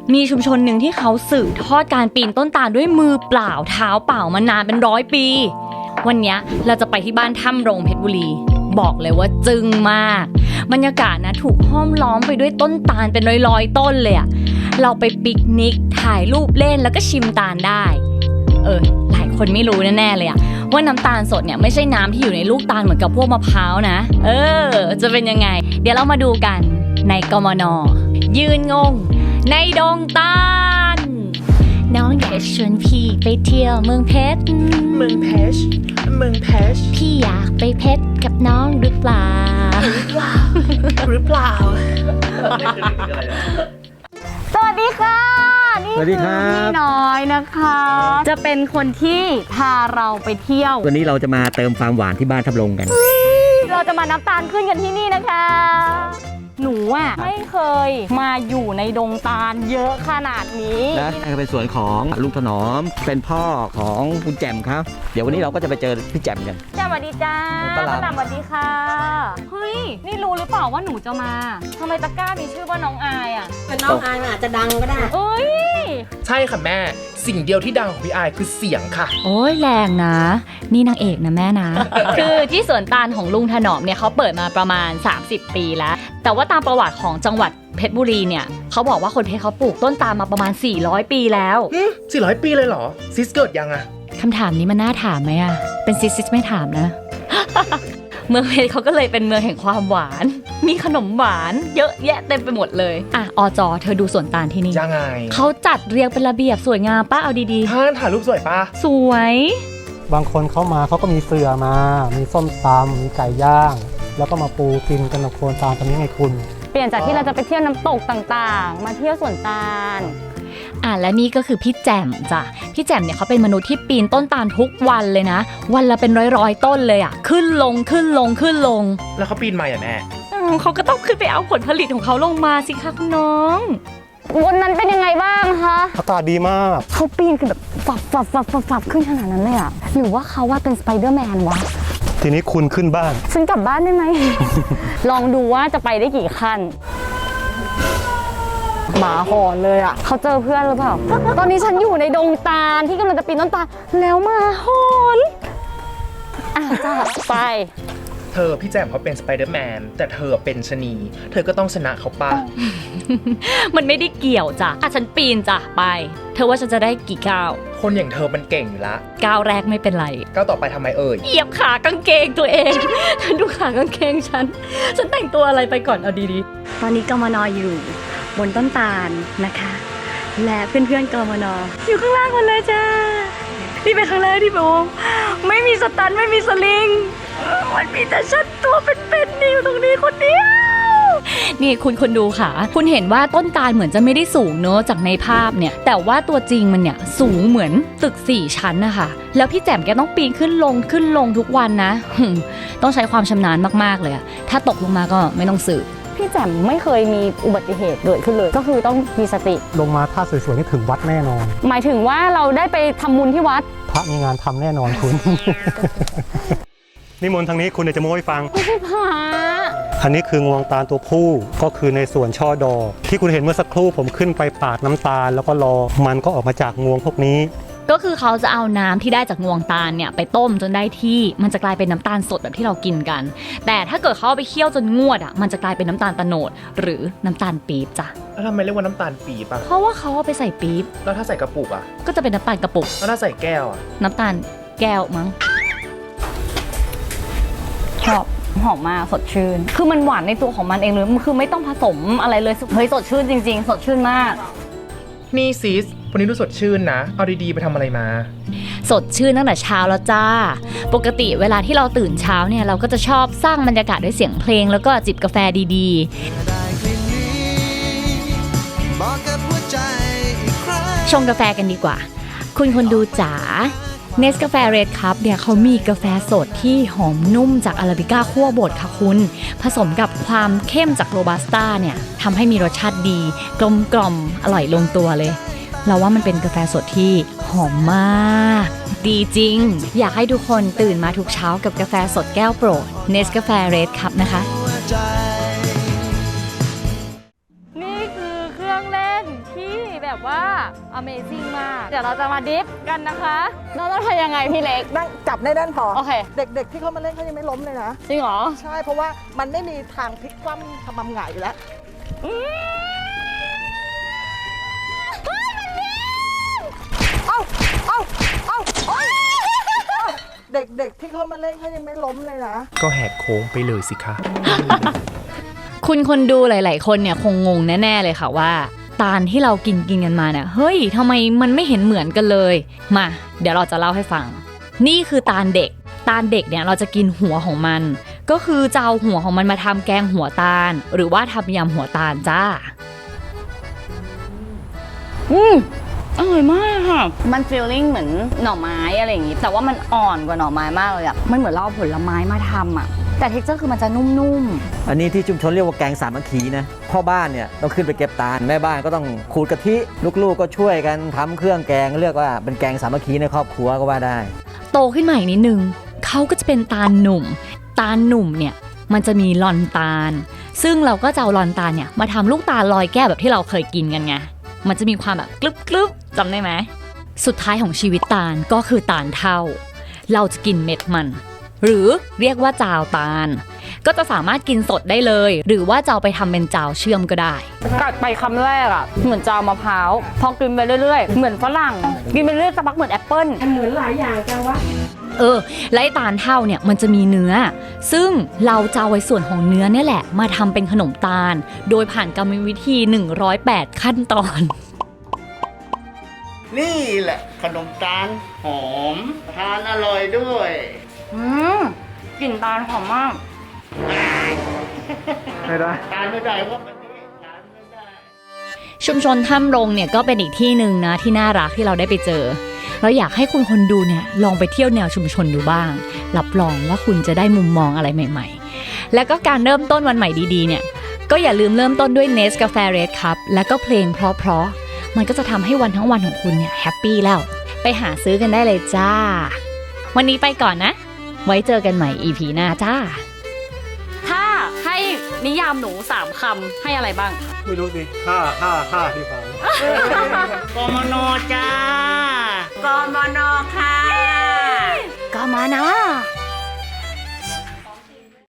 มีชุมชนหนึ่งที่เขาสืบทอดการปีนต้นตาลด้วยมือเปล่าเท้าเปล่ามานานเป็น100 ปีวันนี้เราจะไปที่บ้านถ้ำโรงเพชรบุรีบอกเลยว่าจึ้งมากบรรยากาศนะถูกห้อมล้อมไปด้วยต้นตาลเป็นร้อยๆต้นเลยอะเราไปปิกนิกถ่ายรูปเล่นแล้วก็ชิมตาลได้หลายคนไม่รู้แน่ๆเลยอะว่าน้ำตาลสดเนี่ยไม่ใช่น้ำที่อยู่ในลูกตาลเหมือนกับพวกมะพร้าวนะจะเป็นยังไงเดี๋ยวเรามาดูกันในกมน.ยืนงงในดงตาลน้องอยากชวนพี่ไปเที่ยวเมืองเพชรพี่อยากไปเพชรกับน้องหรือเปล่าสวัสดีค่ะนี่คือพี่น้อยนะคะจะเป็นคนที่พาเราไปเที่ยววันนี้เราจะมาเติมความหวานที่บ้านทับลงกันเราจะมาน้ำตาลขึ้นกันที่นี่นะคะหนูไม่เคยมาอยู่ในดงตาลเยอะขนาดนี้นะเป็นส่วนของลุงถนอมเป็นพ่อของคุณแจ่มครับเดี๋ยววันนี้เราก็จะไปเจอพี่แจ่มกันสวัสดีจ้าป้าหลับสวัสดีค่ะเฮ้ยนี่รู้หรือเปล่าว่าหนูจะมาทำไมตะกร้ามีชื่อว่าน้องอายเป็นน้องอายมันอาจจะดังก็ได้ใช่ค่ะแม่สิ่งเดียวที่ดังของพี่อายคือเสียงค่ะโอ้ยแรงนะนี่นางเอกนะแม่นะ คือที่สวนตาลของลุงถนอมเนี่ยเขาเปิดมาประมาณ30 ปีแล้วแต่ว่าตามประวัติของจังหวัดเพชรบุรีเนี่ยเขาบอกว่าคนเพชรเขาปลูกต้นตาลมาประมาณ400 ปีแล้ว 400 ปีเลยเหรอซิสเกิดยังคำถามนี้มันน่าถามไหมเป็นซิสไม่ถามนะ เมืองเพชรเขาก็เลยเป็นเมืองแห่งความหวานมีขนมหวานเยอะแยะเต็มไปหมดเลยอจเธอดูสวนตาลที่นี่ยังไงเขาจัดเรียงเป็นระเบียบสวยงามป้าเอาดีๆถ่ายรูปสวยป้าสวยบางคนเขามาเขาก็มีเสือมามีส้มตำมีไก่ย่างแล้วก็มาปูกินกันกับโคนตาลตรงนี้ไงคุณเปลี่ยนจากที่เราจะไปเที่ยวน้ำตกต่างๆมาเที่ยวสวนตาลและนี่ก็คือพี่แจ่มจ้ะพี่แจ่มเนี่ยเขาเป็นมนุษย์ที่ปีนต้นตาลทุกวันเลยนะวันละเป็นร้อยต้นเลยขึ้นลงแล้วเขาปีนมาแม่เขาก็ต้องขึ้นไปเอาผลผลิตของเขาลงมาสิคะคุณน้องวันนั้นเป็นยังไงบ้างคะอากาศดีมากเขาปีนคือแบบฝับขึ้นขนาดนั้นเลยหรือว่าเขาว่าเป็นสไปเดอร์แมนวะทีนี้คุณขึ้นบ้านฉันกลับบ้านได้ไหม ลองดูว่าจะไปได้กี่ขั้นหมาหอนเลยเขาเจอเพื่อนหรือเปล่า ตอนนี้ฉันอยู่ในดงตาลที่กำลังจะปีนต้นตาลแล้วหมาหอนจ้าไปเธอพี่แจ่มเขาเป็นสไปเดอร์แมนแต่เธอเป็นชะนีเธอก็ต้องชนะเขาป่ะมันไม่ได้เกี่ยวจ้ะฉันปีนจ้ะไปเธอว่าฉันจะได้กี่ก้าวคนอย่างเธอมันเก่งอยู่ละก้าวแรกไม่เป็นไรก้าวต่อไปทำไมเหยียบขากางเกงตัวเองฉันดูขากางเกงฉันแต่งตัวอะไรไปก่อนเอาดีๆตอนนี้กมน.อยู่บนต้นตาลนะคะและเพื่อนๆกมน.อยู่ข้างล่างคนเลยจ้านี่เป็นครั้งแรกที่แบบไม่มีสตันไม่มีสลิงมันมีแต่ฉันตัวเป็นๆอยู่ตรงนี้คนเดียวนี่คุณดูค่ะคุณเห็นว่าต้นตาลเหมือนจะไม่ได้สูงเนอะจากในภาพเนี่ยแต่ว่าตัวจริงมันเนี่ยสูงเหมือนตึก4 ชั้นนะคะแล้วพี่แจ่มแกต้องปีนขึ้นลงทุกวันนะต้องใช้ความชำนาญมากๆเลยถ้าตกลงมาก็ไม่ต้องสืบพี่แจ่มไม่เคยมีอุบัติเหตุเกิดขึ้นเลยก็คือต้องมีสติลงมาถ้าสวยๆนี่ถึงวัดแน่นอนหมายถึงว่าเราได้ไปทำบุญที่วัดพระมีงานทำแน่นอนคุณ นิมนต์ทางนี้คุณจะโม้ให้ฟังไม่ใช่พระอันนี้คืองวงตาลตัวผู้ก็คือในส่วนช่อดอกที่คุณเห็นเมื่อสักครู่ผมขึ้นไปปาดน้ำตาลแล้วก็รอมันก็ออกมาจากงวงพวกนี้ก็คือเขาจะเอาน้ำที่ได้จากงวงตาลเนี่ยไปต้มจนได้ที่มันจะกลายเป็นน้ำตาลสดแบบที่เรากินกันแต่ถ้าเกิดเขาเอาไปเคี่ยวจนงวดมันจะกลายเป็นน้ำตาลโตนดหรือน้ำตาลปี๊บจ้ะแล้วทำไมเรียกว่าน้ำตาลปี๊บเพราะว่าเขาเอาไปใส่ปี๊บแล้วถ้าใส่กระปุกก็จะเป็นน้ำตาลกระปุกแล้วถ้าใส่แก้วน้ำตาลแก้วมั้งหอมมากสดชื่นคือมันหวานในตัวของมันเองเลยคือไม่ต้องผสมอะไรเลยเฮ้ยสดชื่นจริงๆสดชื่นมากนี่ซิสวันนี้ดูสดชื่นนะเอาดีๆไปทำอะไรมาสดชื่นตั้งแต่เช้าแล้วจ้าปกติเวลาที่เราตื่นเช้าเนี่ยเราก็จะชอบสร้างบรรยากาศด้วยเสียงเพลงแล้วก็จิบกาแฟดีๆชงกาแฟกันดีกว่าคุณคนดูจ๋าเนสกาแฟเรดคัพเนี่ยเขามีกาแฟสดที่หอมนุ่มจากอาราบิก้าคั่วบดค่ะคุณผสมกับความเข้มจากโรบัสต้าเนี่ยทำให้มีรสชาติดีกลมอร่อยลงตัวเลยเราว่ามันเป็นกาแฟสดที่หอมมากดีจริงอยากให้ทุกคนตื่นมาทุกเช้ากับกาแฟสดแก้วโปรดเนสกาแฟเรดคัพนะคะนี่คือเครื่องเล่นที่แบแบบว่า Amazing มาก เดี๋ยวเราจะมาดิฟกันนะคะเราต้องทำยังไงพี่เล็กนั่งจับในด้านพอโอเคเด็กๆที่เขามาเล่นเขายังไม่ล้มเลยนะจริงเหรอใช่เพราะว่ามันไม่มีทางพลิกคว่ำทำมำหงายอยู่แล้วเอ้าเอ้าเอ้าโอ๊ยเด็กๆที่เขามาเล่นเขายังไม่ล้มเลยนะก็แหกโค้งไปเลยสิคะคุณคนดูหลายๆคนเนี่ยคงงงแน่ๆเลยค่ะว่าตาลที่เรากินกันมาเนี่ยเฮ้ยทำไมมันไม่เห็นเหมือนกันเลยมาเดี๋ยวเราจะเล่าให้ฟังนี่คือตาลเด็กเนี่ยเราจะกินหัวของมันก็คือจะเอาหัวของมันมาทำแกงหัวตาลหรือว่าทำยำหัวตาลจ้าอร่อยมากค่ะมันฟีลลิ่งเหมือนหน่อไม้อะไรอย่างงี้แต่ว่ามันอ่อนกว่าหน่อไม้มากเลยอะมันเหมือนเราเอาผลไม้มาทำอะแต่เท็กเจอร์คือมันจะนุ่มๆอันนี้ที่ชุมชนเรียกว่าแกงสามัคคีนะพ่อบ้านเนี่ยต้องขึ้นไปเก็บตาลแม่บ้านก็ต้องขูดกะทิลูกๆก็ช่วยกันทำเครื่องแกงเรียกว่าเป็นแกงสามัคคีในครอบครัวก็ว่าได้โตขึ้นมาอีกนิดนึงเขาก็จะเป็นตาลหนุ่มเนี่ยมันจะมีลอนตาลซึ่งเราก็จะเอาลอนตาลเนี่ยมาทำลูกตาลลอยแก้วแบบที่เราเคยกินกันไงมันจะมีความแบบกรึบๆจำได้ไหมสุดท้ายของชีวิตตาลก็คือตาลเท่าเราจะกินเม็ดมันหรือเรียกว่าจาวตาลก็จะสามารถกินสดได้เลยหรือว่าจะเอาไปทำเป็นจาวเชื่อมก็ได้กัดไปคำแรกอ่ะเหมือนจาวมะพร้าวพอกินไปเรื่อยๆเหมือนฝรั่งกินไปเรื่อยๆสักพักเหมือนแอปเปิ้ลเหมือนหลายอย่างจังวะและตาลเท่าเนี่ยมันจะมีเนื้อซึ่งเราจะเอาไว้ส่วนของเนื้อเนี่ยแหละมาทำเป็นขนมตาลโดยผ่านกรรมวิธี108ขั้นตอนนี่แหละขนมตาลหอมทานอร่อยด้วยกลิ่นตาลหอมมากไม่ได้ทานไม่ได้เพราะมันนี้ทานไม่ได้ชุมชนถ้ำรงเนี่ยก็เป็นอีกที่หนึ่งนะที่น่ารักที่เราได้ไปเจอเราอยากให้คุณคนดูเนี่ยลองไปเที่ยวแนวชุมชนดูบ้างรับรองว่าคุณจะได้มุมมองอะไรใหม่ๆและก็การเริ่มต้นวันใหม่ดีๆเนี่ยก็อย่าลืมเริ่มต้นด้วย Nest กาแฟ Red Cup และก็เพลงเพราะๆมันก็จะทำให้วันทั้งวันของคุณเนี่ยแฮปปี้แล้วไปหาซื้อกันได้เลยจ้าวันนี้ไปก่อนนะไว้เจอกันใหม่ EP หน้าจ้าถ้าให้นิยามหนู3คำให้อะไรบ้างไม่รู้สิห้าที่ฟังกมนจ้ากมนค่ะกมน